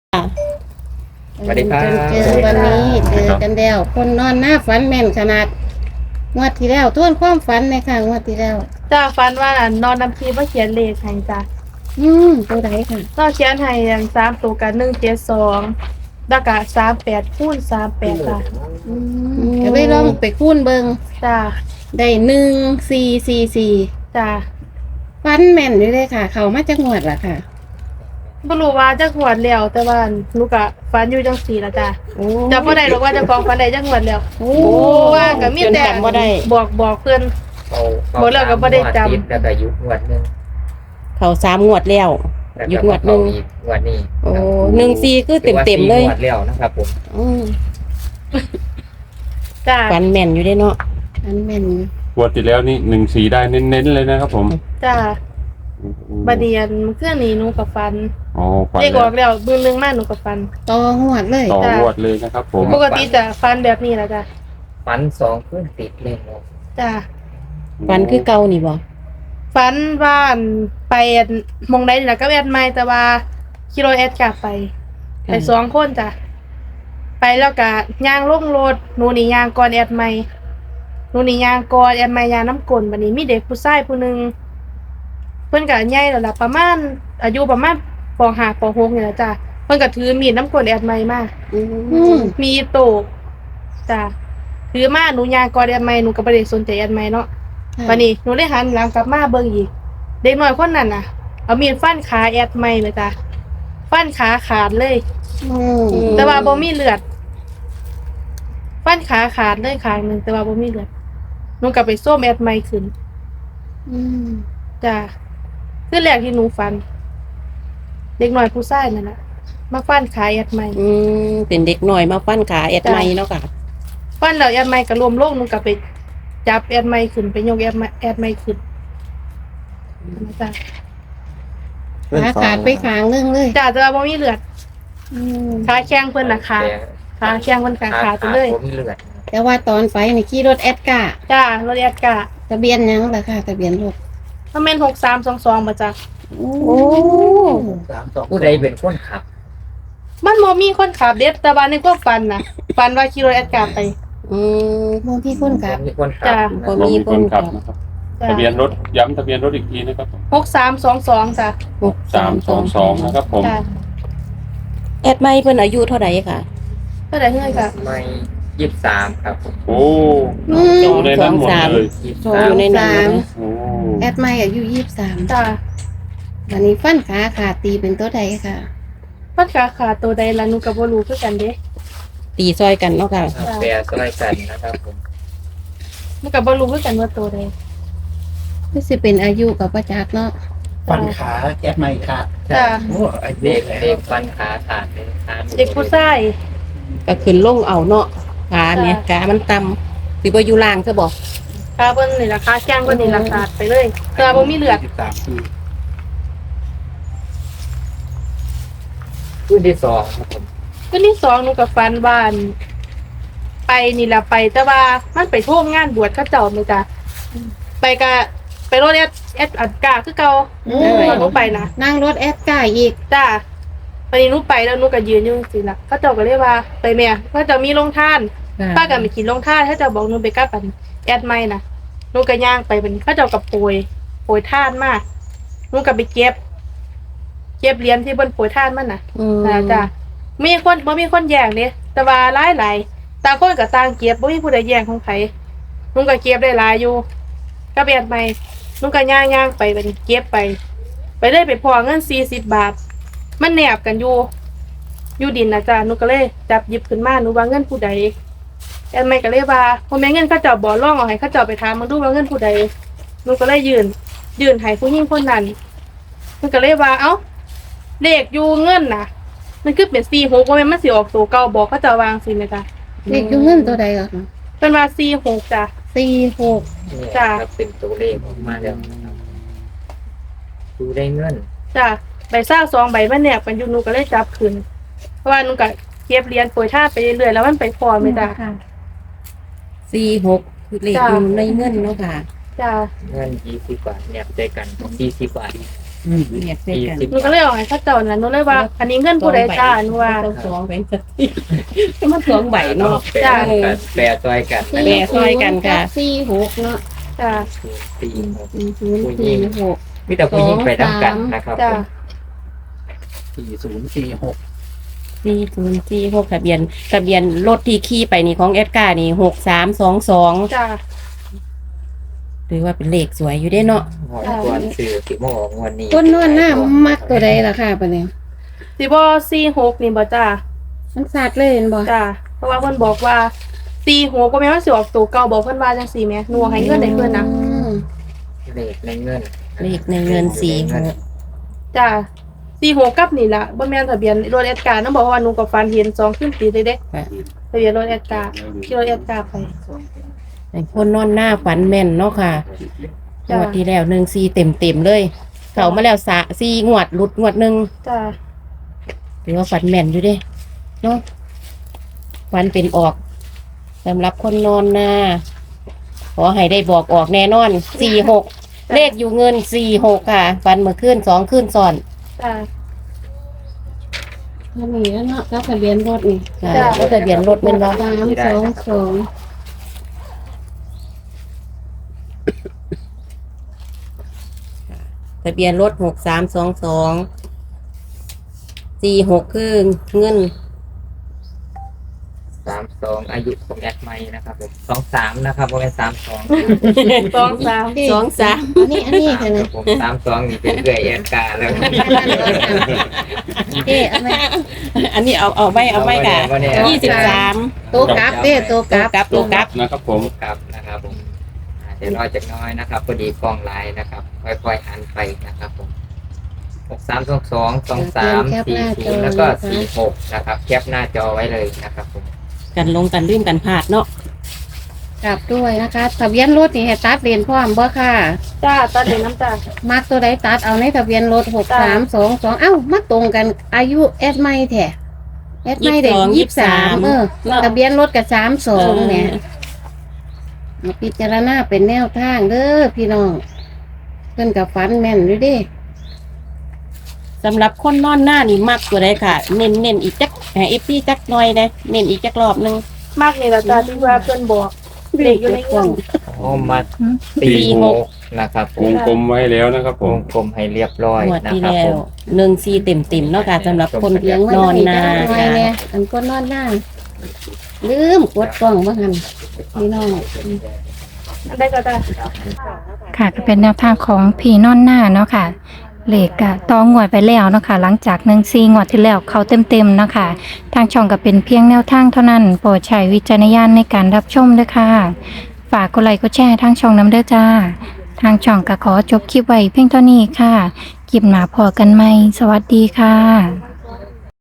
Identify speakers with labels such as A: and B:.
A: สวัสดีครับ
B: เจอวันนี้เจอกันแล้วคนนอนหน้าฝันแม่นขนาดงวดที่แล้วทวนความฝันในค่ะงวดที่แล้ว
C: จ้าฟันว่านอนนำทีว่าเขียนเลขให้จ้ะ
B: ตัวไหนค่ะ
C: ก็เขียนให้อย่าง3ตัวกัน172แล้วก็38คูณ38จ้ะ
B: ก็เลยลองไปคูณเบิง
C: จ้า
B: ได้1444
C: จ้า
B: ฝันแม่นอยู่เลยค่ะ เขามาจากงวดล่ะค่ะ
C: บ่รู้ว่าจักงวดแล้วแต่ว่าหนูก็ฝันอยู่จังซี่ล่ะจ้ะ
B: โอ้
C: จำบ่ได้หรอกว่าเจ้าของฝันได้จักงวดแล้ว
B: โอ้
C: ว่าก็มีแต่
B: จนจำบ่ได้
C: บอกเพิ่น
A: เขา
C: หมดแล้วก็บ่ได้จำ
A: ติแล้วก็ยุบงวดหนึง
B: เขา3งวดแล้ว
A: แล้ว
B: ยุ
A: ก็
B: บงวดหนึ่ง
A: อีกงวดนี้
B: โอ้14คือเต็มๆเลย
A: ถือว่าสี่งวดแล้วนะครับผม
B: อืม
C: จ้า
B: ฝันแม่นอยู่ได้เนาะฝันแม่น
D: งวดที่แล้วนี่14ได้เน้นๆเลยนะครับผม
C: จ้าบัดเดียนเครื่องนี้หนูก็ฝัน
D: อ๋อฝัน
C: เลขออกแล้วมื้อนึงมาหนูก็ฝัน
B: ต่องวดเลย
D: ต่องวดเลยนะครับผม
C: ปกติจะฝันแบบนี้ล่ะจ้ะ
A: ฝัน2คืนติดเลยเนาะ
C: จ้า
B: ฝันคือเก่านี่บ่
C: ฝันว่าอั่นไปอั่นหมองใดนี่ล่ะก็แอดไม่แต่ว่าขี่รถแอดกลับไป2คนจ้ะไปแล้วก็ย่างลงรถหนูนี่ย่างก่อนแอดไม่หนูนี่ย่างก่อนแอดไม่ย่างน้ำกลนบัดนี้มีเด็กผู้ชายผู้หนึงเพิ่นก็ใหญ่แล้วล่ะประมาณอายุประมาณป .5 ป .6 นี่ล่ะจ้ะเพิ่นก็ถือมีดน้ำกลนแอดไม่มา มีโตกจ้ะถือมาหนูย่างก่อนแอดไม่หนูก็บ่ได้สนใจแอดไม่เนาะ วันนี้หนูได้หันหลังกลับมาเบิ่งอีกเด็กน้อยคนนั้นน่ะเอามีดฟันขาแอดไม่เลยจ้ะฟันขาขาดเลย แต่ว่าบ่มีเลือดฟันขาขาดเลยข้างหนึงแต่ว่าบ่มีเลือดหนูกลับไปส้มแอดไม่ขึ้นจ้ะคือแรกที่หนูฟัน เด็กน้อยผู้ชายนั่นน่ะมาฟันขาแอดไม่
B: เป็นเด็กหน่อยมาฟันขาแอดไม้เนาะค่ะ
C: ฟันแล้วแอดไม่ก็รวมลงหนูกลับไปจับแอดไม่ขึ้นไปยกแอดไม่ขึ้นจ้ะ
B: ขาขาดไปขางนึงเลย
C: จ้ะแต่ว่าบ่มีเลือดขาแข้งเพิ่นน่ะขาแข้งเพิ่นขาดไปเลย
A: ผมมีเลือด
B: แต่ว่าตอนไฟนี่ขี่รถแอดกา
C: จ้ารถแอดกะ
B: ทะเบียนหยังล่ะค่ะทะเบียนรถ
C: มันเป็น6322บ่จ้ะ
B: โอ้
A: ผู้ใดเป็นคนขับ
C: มันบ่มีคนขับเด็ดแต่ว่าในความฝันน่ะฝันว่าขี่รถแอดกะไป
B: บางที่คนขับ
A: มีคนขั
C: จ้ะ
B: บ่
D: มี
B: มี
D: ค
B: คน น
D: ขั
B: ขั
D: บบ นะครับ
C: จ้ะ
D: ทะเบียนรถย้ำทะเบียนรถอีกทีนะครับผม
C: 6322จ้ะ
D: 322นะครับผม
C: จ้ะ
B: แอดไม้เพิ่นอายุเท่าไหร่ค่ะ
C: เท่าไหร่เฮ้ยค่ะ
A: ไม่23ครับผม
D: โอ้อยู่ในนั้นหมดเลย
B: อยู่ในนั้น
D: โอ้
B: แอดไม้อายุ23
C: จ้ะ
B: วันนี้ฟันขาขาดตีเป็นตัวใดค่ะ
C: พัดขาขาดตัวใดล่ะหนูก็บ่รู้คือกันเด้
B: ตีซอยกันเนาะค่ะ
A: แปรสไลด์กันนะครับผม
C: หนูก็บ่รู้คือกันว่าตัวใด
B: นี่สิเป็นอายุกับประจักษ์เนาะ
E: ฟันขาแอดไม่ขาด
C: จ้ะ
E: โอ้อายุ
A: เด็ก
E: แล้ว
A: เด็กฟันขาขาดเลยขา
C: เด็กผู้ชาย
B: ก็ขึ้นลงเอาเนาะขาเนี่ยขามันต่ำสิบ่อยู่ล่างซะบ่
C: ขาเพิ่นนี่ล่ะขาแข้งเพิ่นนี่ล่ะขาดไปเลยแต่ว่าบ่มีเลือด
E: 23 ปี
A: ผู้ที่2ครับผม
C: คืนที่2หนูก็ฝันว่าอั่นไปนี่ล่ะไปแต่ว่ามันไปร่วมงานบวชเขาเจ้าแม่จ้ะไปก็ไปรถแอดอัดกาคือเก่าตอนหนูไปนะ
B: นั่งรถแอดกาอีก
C: จ้าวันนี้หนูไปแล้วหนูก็ยืนอยู่สิล่ะเขาเจ้าก็เรียกว่าไปแม่เขาเจ้ามีโรงทานป้าก็ไปกินโรงทานเขาเจ้าบอกหนูไปกับปันแอดไม่นะหนูก็ย่างไปเป็นเขาเจ้ากับโปรยทานมากหนูก็ไปเก็บเหรียญที่บนโปรยทานมันน่ะจ้ามีคนบ่มีคนแย่งเด้แต่ว่าหลายต่างคนก็ต่างเก็บบ่มีผู้ใดแย่งของไผหนูก็เก็บได้หลายอยู่ก็แอดไม่หนูก็ย่างไปเป็นเก็บไปได้ไปพอเงิน40 บาท มันแนบกันอยู่ดินนะจ๊ะหนูก็เลยจับหยิบขึ้นมาหนูว่าเงินผู้ใดแอนไม่ก็เลยว่าพอแม่เงินเขาเจ้าบ่ร้องเอาให้เขาเจ้าไปถามมาดูว่าเงินผู้ใดหนูก็เลยยืนให้ผู้หญิงคนนั้นมันก็เลยว่าเอ้าเลขอยู่เงินน่ะ มันคือเป็น46ว่าแม่นมันสิออกตัวเก่าบอกเขาเจ้าวางสิแม่จ้ะ
B: เลขอยู่เงินตัวใดก่อน
C: เป็นว่า46จ้ะ
B: 46
A: นี่
C: จ้ะ
A: ครับเป็นตัวเลขออกมาแล้วนะครับดูได้เงิน
C: จ้ะใบซ่า2 ใบมันแนบกันอยู่หนูก็เลยจับขึ้นเพราะว่าหนูก็เก็บเหรียญโปรยทานไปเรื่อยๆแล้วมันไปพอแม่จ้ะ
B: 46คือเลขอยู่ในเงินเนาะค่ะ
C: จ้ะ
A: เงิน20 บาทเนี่ยใจกัน40 บาท
F: เรียกเส้นกัน
C: หนูก็เลยเอาให้เขาเจ้านั่นหนูเลยว่า อันนี้เงินผู้ใดจ้าหนูว่า
F: สองใบสักทีมันสองใบเนาะ
C: จ้ะ
A: แปรซอยกัน
F: แปรซอยกันค่ะ
B: 46เนาะ
C: จ้า
B: 4046
A: มีแต่ผู้หญิงไปทำกันนะครับ
C: จ้า
E: 4046
F: 4046ทะเบียนรถที่ขี่ไปนี่ของเอสกานี่6322
C: จ้า
F: หรือว่าเป็นเลขสวยอยู่ได้เนาะ
A: ก่อนสื่อสิโมงวันนี้
B: คนนอนหน้ามักตัวใดล่ะค่ะปะเนี่ย
C: สิบ่46นี่บ่จ้า
B: มันสัตว์เลยเห็นบ่
C: จ้าเพราะว่าเพิ่นบอกว่า46บ่แม่นว่าสิออกตัวเก่าบอกเพิ่นว่าจังซี่แหม่หนูให้เงินให้เพิ่นนะ
A: เลขในเงิน
F: เลขในเงิน46
C: จ้า46กับนี่ล่ะบ่แม่นทะเบียนรถแอดการ์นำบอกว่าหนูก็ฝันเห็น2ขึ้นติดเลยเด้ทะเบียนรถแอดการ์ขี่รถแอดการ์ไป
F: ไอ้คนนอนหน้าฝันแม่นเนาะค่ะง
C: จ้ะ
F: วดที่แล้ว14เต็มเลย เข้ามาแล้ว4งวดหลุดงวดหนึง
C: จ้า
F: หรือว่าฝันแม่นอยู่เด้เนาะฝันเป็นออกสำหรับคนนอนหน้าขอให้ได้บอกออกแน่นอน46เลขอยู่เงิน46ค่ะฝันเมื่อคืน2คืนซ้อน
C: จ้า
B: อันนี้แล้วเนาะแล้วทะเบียนรถนี่
F: ค่ะ
C: จ้ะ
F: แล้วทะเบียนรถแม่นบ่
B: 322
F: ทะเบียนรถ632246คือเงิน
A: 32อายุของแอดไมค์นะครับผม23นะครับบ่แม่น32
C: 2 3
F: 23
B: อันนี้
A: ค
B: ค่ะ
A: รับผม32นี่เป็นเอื้อยแอดกาแล้ว
B: เอ๊ะอันนี้
F: อันนี้เอาไม่ค่ะ
A: เอาไว้
F: 23
B: โตะกลับเด้โตะกลับ
F: กับตัวกับ
D: นะครับผม
A: ครับนะครับผมเดี๋ยวรอจากน้อยนะครับพอดีกล้องไลน์นะครับค่อยๆหันไปนะครับผม6322 23 40แล้วก็46นะครับแคปหน้าจอไว้เลยนะครับผม
F: กันลงกันลืมกันพลาดเนาะ
B: กลับด้วยนะคะทะเบียนรถนี่ให้ตัดเลนพร้อมบ่ค่ะ
C: จ้าตอนเด็กน้ำจ้า
B: มักตัวใดตัดเอาในทะเบียนรถ6322เอ้ามาตรงกันอายุแอดไม่แท้แอดไม่ได้23ทะเบียนรถกับ32เนี่ยมาพิจารณาเป็นแนวทางเด้อพี่น้องเพิ่นกับฟันแม่นด้วยเด้
F: สำหรับคนนอนหน้านี่มักตัวใดค่ะ เน้นอีกจักเอฟซีจักหน่อยนะเน้นอีกจักรอบหนึง
C: มากนี่ล่ะจ้าที่ว่าเพิ่นบอกเด็กอยู่ในเงิน
A: โอ้มา46นะครับผ
D: ว
A: ม
D: งกลมไว้แล้วนะครับผ
A: ว
D: ม
A: งกลมให้เรียบร้อย
F: งวด
A: นะ
F: ที่
A: ครับ
F: แล้
A: ผ
F: ว
A: ม
F: 14เต็มๆเนาะค่ะสำหรับคน
B: เลี้ยงไว้
F: นอนนา
B: ไว้
F: ค่ะ
B: เนี่ยอันก็นอนหน้าลืมกดกล้องบ่หันพี่น้อง
C: อันใดก็ได้
G: ค่ะก็เป็นแนวทางของพี่นอนหน้าเนาะค่ะเลขกะต้องงวดไปแล้วเนาะค่ะหลังจาก14งวดที่แล้วเขาเต็มๆเนาะค่ะทางช่องก็เป็นเพียงแนวทางเท่านั้นโปรดใช้วิจารณญาณในการรับชมด้วยค่ะฝากกดไลค์กดแชร์ทางช่องน้ำเด้อจ้าทางช่องก็ขอจบคลิปไว้เพียงเท่านี้ค่ะคลิปหน้าพอกันใหม่สวัสดีค่ะ